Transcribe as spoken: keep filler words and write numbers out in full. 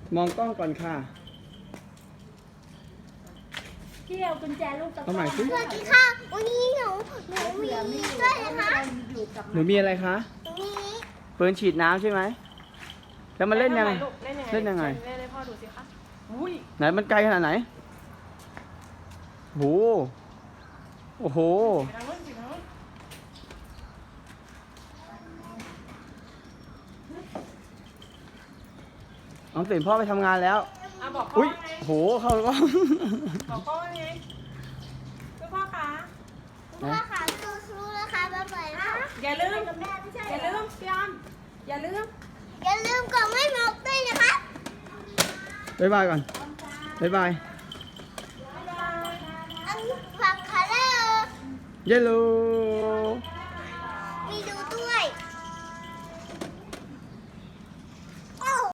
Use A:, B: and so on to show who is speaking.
A: มองกล้องก่อนค่ะ
B: พี่เอากุญแจลูกตะกร้อ
A: เอาใหม่สิ
C: สวัสดีค่ะวันนี้หนูหนูมีด้วยนะคะ
A: หนูมีอะไรคะ
C: หนูมี
A: ปืนฉีดน้ำใช่ไหมแล้วมันเล่นยังไง
D: เล่นยังไง
A: เล่นยังไง
D: เล่นให้พ่อดูสิคะอุ้ย
A: ไหนมันไกลขนาดไหนโหโอ้โห
D: ไปทางนู้นไปทางนู้น
A: น้องสินพ่อไปทำงานแล้ว
D: อ่ะบอกพ่อ
A: อุ้ย
D: ว่าไง
A: โหเข้าแล้วก็
D: บอกพ่อว่าไงคุณพ่อคะ
C: พ่อค่ะสู้ๆนะคะบ๊ายบายนะคะ
D: อย่าลืม
B: กับแม่ไม่ใช่
D: อย่าลืมพี่ออมอย่าลืม
C: อย่าลืมกดไม่หมดด้วยนะคะ
A: บ๊ายบายก่อนบ๊ายบาย
C: อันฝากคาเลอร์
A: เยลโล่